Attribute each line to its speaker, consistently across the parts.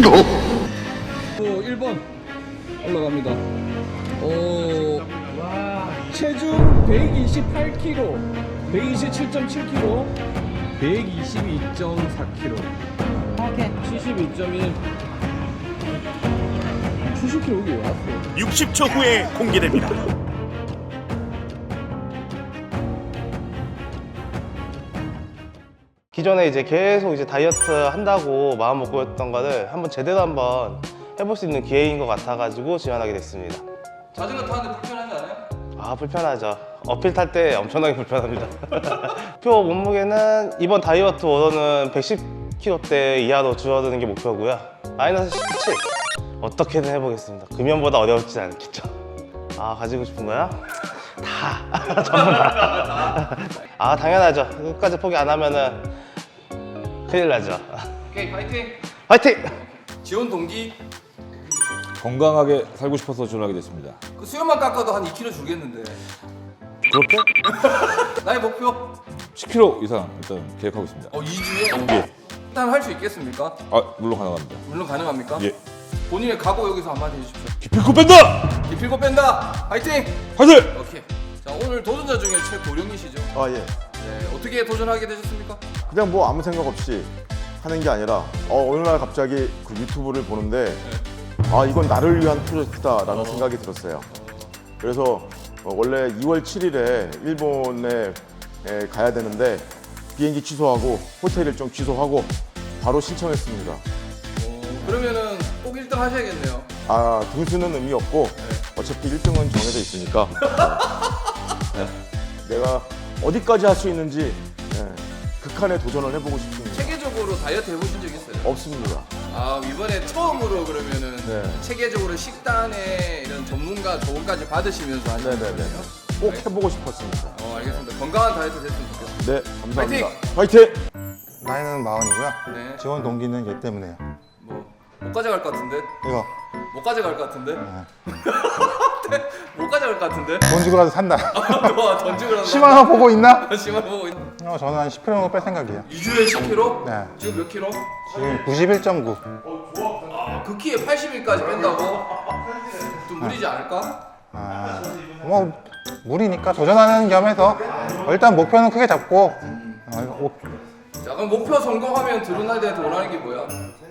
Speaker 1: 1번 올라갑니다. 체중 128kg, 127.7kg, 122.4kg.
Speaker 2: 오케이.
Speaker 1: 72.1. 70kg 여기 왜 왔어?
Speaker 3: 60초 후에 공개됩니다.
Speaker 4: 기존에 이제 계속 이제 다이어트 한다고 마음 먹고 했던 거를 한번 제대로 한번 해볼 수 있는 기회인 것 같아가지고 지원하게 됐습니다.
Speaker 1: 자전거 타는데 불편하지 않아요?
Speaker 4: 아, 불편하죠. 어필 탈 때 엄청나게 불편합니다. 목표 몸무게는 이번 다이어트 워너는 110kg대 이하로 줄어드는 게 목표고요. 마이너스 17 어떻게든 해보겠습니다. 금연보다 어려울지 않겠죠. 아, 가지고 싶은 거야? 다 전부 다. 아, 당연하죠. 끝까지 포기 안 하면은 큰일 나죠.
Speaker 1: 오케이, 파이팅!
Speaker 4: 화이팅!
Speaker 1: 지원 동기?
Speaker 5: 건강하게 살고 싶어서 지원하게 됐습니다.
Speaker 1: 그 수염만 깎아도 한 2kg 줄겠는데.
Speaker 5: 그렇게
Speaker 1: 나의 목표?
Speaker 5: 10kg 이상 일단 계획하고 있습니다.
Speaker 1: 2주에?
Speaker 5: 예.
Speaker 1: 일단 할 수 있겠습니까?
Speaker 5: 아, 물론 가능합니다.
Speaker 1: 물론 가능합니까?
Speaker 5: 예.
Speaker 1: 본인의 각오 여기서 한마디 해주십시오.
Speaker 5: 기필코 뺀다!
Speaker 1: 기필고 뺀다! 파이팅!
Speaker 5: 화이팅!
Speaker 1: 오케이. 자, 오늘 도전자 중에 최고령이시죠?
Speaker 6: 아 예.
Speaker 1: 네, 어떻게 도전하게 되셨습니까?
Speaker 6: 그냥 뭐 아무 생각 없이 하는 게 아니라 어느 날 갑자기 그 유튜브를 보는데 아 이건 나를 위한 프로젝트다라는 생각이 들었어요. 그래서 원래 2월 7일에 일본에 가야 되는데 비행기 취소하고 호텔 일정 취소하고 바로 신청했습니다.
Speaker 1: 그러면은 꼭 1등 하셔야겠네요.
Speaker 6: 아 등수는 의미 없고 어차피 1등은 정해져 있으니까 내가 어디까지 할 수 있는지 극한의 도전을 해보고 싶습니다.
Speaker 1: 체계적으로 다이어트 해보신 적 있어요?
Speaker 6: 없습니다.
Speaker 1: 아, 이번에 처음으로 그러면은
Speaker 6: 네.
Speaker 1: 체계적으로 식단에 이런 전문가 조언까지 받으시면서 하시는
Speaker 6: 네네네.
Speaker 1: 거예요?
Speaker 6: 꼭 해보고 싶었습니다.
Speaker 1: 알겠습니다. 건강한 다이어트 됐으면 좋겠습니다.
Speaker 6: 네, 감사합니다. 화이팅!
Speaker 7: 나이는 40이고요.
Speaker 1: 네.
Speaker 7: 지원 동기는 얘 때문에요.
Speaker 1: 못 가져갈 것 같은데?
Speaker 7: 이거
Speaker 1: 못 가져갈 것 같은데? 못 가져갈 것 같은데?
Speaker 7: 돈 주고라도 산다.
Speaker 1: 와, 던지고 나서
Speaker 7: 10만 원 보고 있나?
Speaker 1: 심한 보고 있
Speaker 7: 저는 한 10kg 정도 뺄 생각이에요.
Speaker 1: 2주에 10kg?
Speaker 7: 네.
Speaker 1: 지금 몇 킬로?
Speaker 7: 지금 91.9.
Speaker 1: 그 키에 80일까지 뺀다고? 좀 무리지 않을까?
Speaker 7: 뭐 무리니까 도전하는 겸해서 일단 목표는 크게 잡고
Speaker 1: 자, 그럼 목표 성공하면 드론라이드한테 원하는 게 뭐야?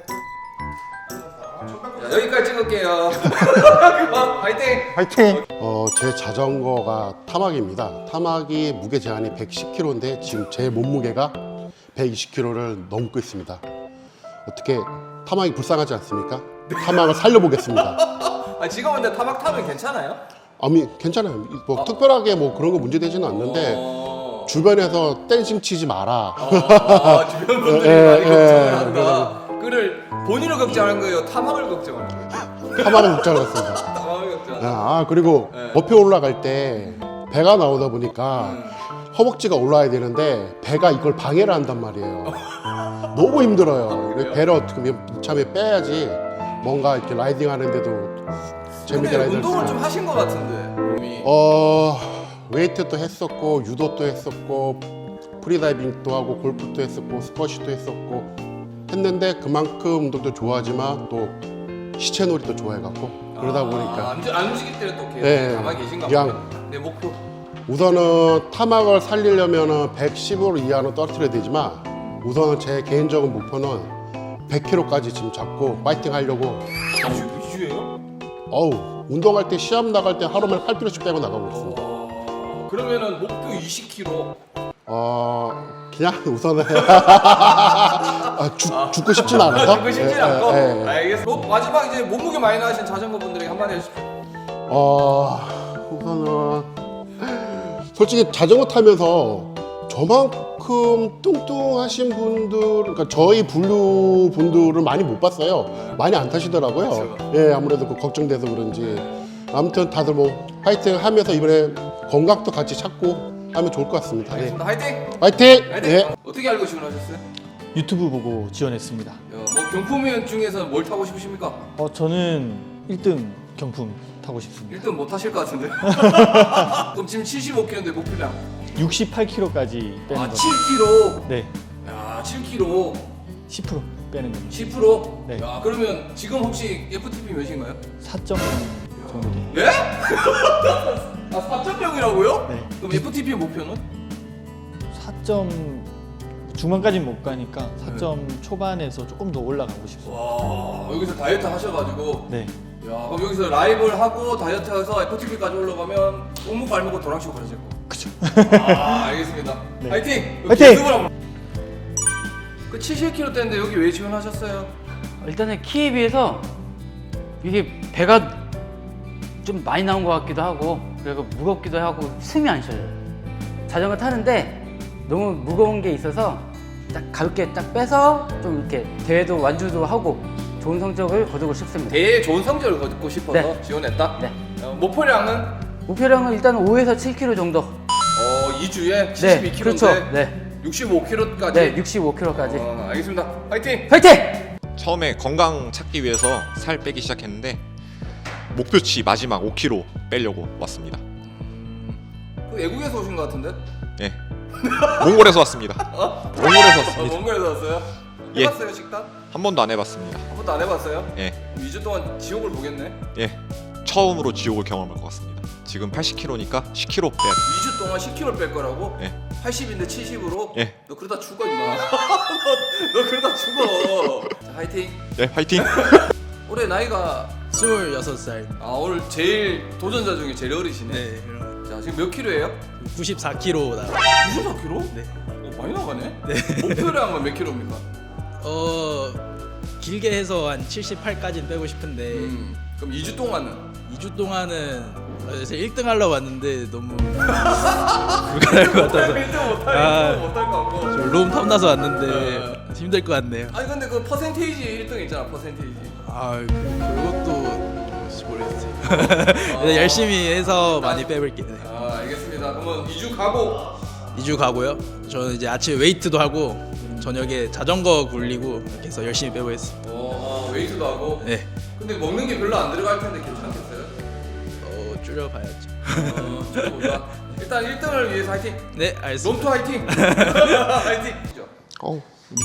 Speaker 1: 자, 여기까지 찍을게요. 파이팅!
Speaker 7: 화이팅!
Speaker 8: 제 자전거가 타막입니다. 타막이 무게 제한이 110kg인데 지금 제 몸무게가 120kg를 넘고 있습니다. 어떻게 타막이 불쌍하지 않습니까? 타막을 살려보겠습니다.
Speaker 1: 아, 지금 근데 타박 타면 괜찮아요?
Speaker 8: 아니 괜찮아요. 뭐 특별하게 뭐 그런 거 문제되지는 않는데 주변에서 댄싱 치지 마라.
Speaker 1: 주변 분들이 많이 걱정을 한다. 그를 본인을 걱정하는 거예요? 타막을 걱정하는 거예요?
Speaker 8: 타막을 걱정했습니다.
Speaker 1: 타막을 걱정하는 거예요?
Speaker 8: 그리고 높이 올라갈 때 배가 나오다 보니까 허벅지가 올라야 되는데 배가 이걸 방해를 한단 말이에요. 너무 힘들어요. 배를 어떻게 참에 빼야지 뭔가 이렇게 라이딩 하는데도 재밌게
Speaker 1: 근데
Speaker 8: 라이딩
Speaker 1: 운동을
Speaker 8: 할 수
Speaker 1: 좀 하신 것 같은데 몸이.
Speaker 8: 웨이트도 했었고 유도도 했었고 프리다이빙도 하고 골프도 했었고 스쿼시도 했었고 했는데 그만큼 운동도 좋아하지만 또 시체놀이도 좋아해갖고 그러다 보니까
Speaker 1: 안 움직일 때는 또 계속
Speaker 8: 네,
Speaker 1: 가만히 계신가
Speaker 8: 그냥
Speaker 1: 봐요. 내 목표.
Speaker 8: 우선은 타막을 살리려면 115 이하로 떨어뜨려야 되지만 우선은 제 개인적인 목표는 100kg까지 지금 잡고 파이팅 하려고.
Speaker 1: 2주예요?
Speaker 8: 어우, 운동할 때 시합 나갈 때 하루에 8kg씩 빼고 나가고 있습니다.
Speaker 1: 그러면은 목표 20kg.
Speaker 8: 그냥 우선은 죽고 싶진 않아서.
Speaker 1: 그거 쉽지
Speaker 8: 예,
Speaker 1: 않고.
Speaker 8: 예, 예.
Speaker 1: 알겠습니다. 마지막 이제 몸무게 많이 나가신 자전거 분들에게 한마디 해주십시오.
Speaker 8: 우선은 솔직히 자전거 타면서 저만큼 뚱뚱하신 분들, 그러니까 저희 분류 분들을 많이 못 봤어요. 많이 안 타시더라고요.
Speaker 1: 그렇죠.
Speaker 8: 예, 아무래도 그 걱정돼서 그런지. 아무튼 다들 뭐 파이팅 하면서 이번에 건강도 같이 찾고 하면 좋을 것 같습니다. 네.
Speaker 1: 알겠습니다. 화이팅!
Speaker 8: 파이팅!
Speaker 1: 화이팅!
Speaker 8: 예.
Speaker 1: 어떻게 알고 지원하셨어요?
Speaker 9: 유튜브 보고 지원했습니다.
Speaker 1: 뭐 경품면 중에서 뭘 타고 싶으십니까?
Speaker 9: 저는 1등 경품 타고 싶습니다.
Speaker 1: 1등 못 하실 것 같은데. 그럼 지금 75kg인데 목표량.
Speaker 9: 68kg까지 빼는 거.
Speaker 1: 7kg.
Speaker 9: 네.
Speaker 1: 야, 7kg.
Speaker 9: 10% 빼는 겁니다.
Speaker 1: 10%?
Speaker 9: 네.
Speaker 1: 야, 그러면 지금 혹시 FTP 몇인가요?
Speaker 9: 4.0 정도 돼요.
Speaker 1: 예? 아, 4.0이라고요?
Speaker 9: 네.
Speaker 1: 그럼 FTP 목표는?
Speaker 9: 4점 중반까지는 못 가니까 4점 초반에서 조금 더 올라가고 싶어요.
Speaker 1: 와, 여기서 다이어트 하셔가지고
Speaker 9: 네.
Speaker 1: 야, 그럼 여기서 라이브를 하고 다이어트해서 FTP까지 올라가면 옥목 발목을 도랑치고 가실 거.
Speaker 9: 그쵸.
Speaker 1: 아, 알겠습니다.
Speaker 9: 네.
Speaker 1: 화이팅!
Speaker 9: 화이팅!
Speaker 1: 그 70kg 대인데 여기 왜 지원하셨어요?
Speaker 2: 일단은 키에 비해서 이게 배가 좀 많이 나온 것 같기도 하고 그리고 무겁기도 하고 숨이 안 쉬어요. 자전거 타는데 너무 무거운 게 있어서 딱 가볍게 딱 빼서 좀 이렇게 대회도 완주도 하고 좋은 성적을 거두고 싶습니다.
Speaker 1: 대회 좋은 성적을 거두고 싶어서
Speaker 2: 네.
Speaker 1: 지원했다?
Speaker 2: 네.
Speaker 1: 목표량은?
Speaker 2: 목표량은 일단 5에서 7kg 정도.
Speaker 1: 2주에
Speaker 2: 네,
Speaker 1: 72kg인데
Speaker 2: 그렇죠. 네.
Speaker 1: 65kg까지?
Speaker 2: 네, 65kg까지.
Speaker 1: 알겠습니다. 화이팅!
Speaker 2: 화이팅!
Speaker 10: 처음에 건강 찾기 위해서 살 빼기 시작했는데 목표치 마지막 5kg 빼려고 왔습니다.
Speaker 1: 그 외국에서 오신 것 같은데?
Speaker 10: 예. 몽골에서 왔습니다. 몽골에서 왔습니다.
Speaker 1: 몽골에서 왔어요?
Speaker 10: 예.
Speaker 1: 해봤어요 식단?
Speaker 10: 한 번도 안 해봤습니다.
Speaker 1: 한 번도 안 해봤어요?
Speaker 10: 예.
Speaker 1: 2주 동안 지옥을 보겠네?
Speaker 10: 예. 처음으로 지옥을 경험할 것 같습니다. 지금 80kg니까 10kg 빼야 돼.
Speaker 1: 2주 동안 10kg 뺄 거라고?
Speaker 10: 예.
Speaker 1: 80인데 70으로?
Speaker 10: 예.
Speaker 1: 너 그러다 죽어 임마. 너 그러다 죽어. 자, 화이팅.
Speaker 10: 네, 화이팅!
Speaker 1: 올해 나이가
Speaker 11: 26살.
Speaker 1: 오늘 제일 도전자 중에 제일 어리시네.
Speaker 11: 네, 그럼
Speaker 1: 자, 지금 몇 킬로예요?
Speaker 11: 94kg 나.
Speaker 1: 94kg?
Speaker 11: 네.
Speaker 1: 많이 나가네. 네. 목표량은 몇 킬로입니까?
Speaker 11: 길게 해서 한 78까지는 빼고 싶은데
Speaker 1: 그럼 2주 동안은?
Speaker 11: 2주 동안은 그래서 1등 하려고 왔는데 너무 불가능할 것 같아서
Speaker 1: 1등 못할 것 같고.
Speaker 11: 좀 로움 탐나서 왔는데 힘들 것 같네요.
Speaker 1: 아니 근데 그 퍼센테이지 1등 있잖아, 퍼센테이지.
Speaker 11: 그것도 모르겠어요. 열심히 해서 많이 빼볼게요. 네.
Speaker 1: 알겠습니다. 그러면 2주 가고
Speaker 11: 2주 가고요. 저는 이제 아침에 웨이트도 하고 저녁에 자전거 굴리고 이렇게 해서 열심히 빼보겠습니다.
Speaker 1: 웨이트도 하고.
Speaker 11: 네.
Speaker 1: 근데 먹는 게 별로 안 들어갈 텐데 괜찮겠어요?
Speaker 11: 줄여봐야죠.
Speaker 1: 줄여보자. 일단 1등을 위해서 화이팅.
Speaker 11: 네, 알겠습니다.
Speaker 1: 롬투 화이팅. 화이팅.
Speaker 7: 어우,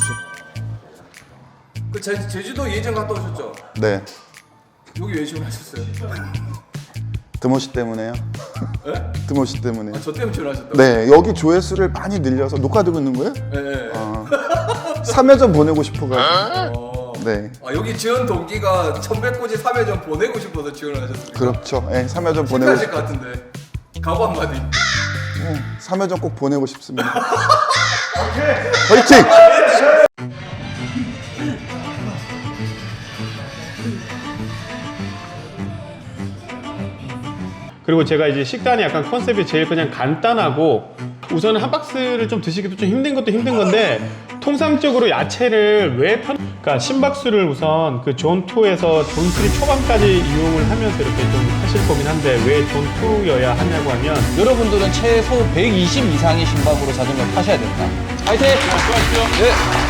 Speaker 1: 그 제주도 예전 갔다 오셨죠?
Speaker 7: 네.
Speaker 1: 여기 왜 지원하셨어요?
Speaker 7: 드모시 때문에요.
Speaker 1: 네?
Speaker 7: 드모시 때문에.
Speaker 1: 저 때문에 지원하셨다고?
Speaker 7: 네, 여기 조회수를 많이 늘려서 녹화되고 있는 거예요?
Speaker 1: 네.
Speaker 7: 3회전 보내고 싶어가지고. 네.
Speaker 1: 여기 지원 동기가 1100고지 3회전 보내고 싶어서 지원을 하셨습니다.
Speaker 7: 그렇죠. 네, 3회전 보내고
Speaker 1: 실패하실 것 같은데. 각오 한마디.
Speaker 7: 3회전 꼭 보내고 싶습니다. 화이팅!
Speaker 12: 그리고 제가 이제 식단이 약간 컨셉이 제일 그냥 간단하고 우선 한 박스를 좀 드시기도 좀 힘든 것도 힘든 건데 통상적으로 야채를 왜 그러니까 심박수를 우선 그 존2에서 존3 초반까지 이용을 하면서 이렇게 좀 하실 거긴 한데 왜 존2여야 하냐고 하면
Speaker 13: 여러분들은 최소 120 이상의 심박으로 자전거 타셔야 된다. 화이팅! 수고하십시오. 네.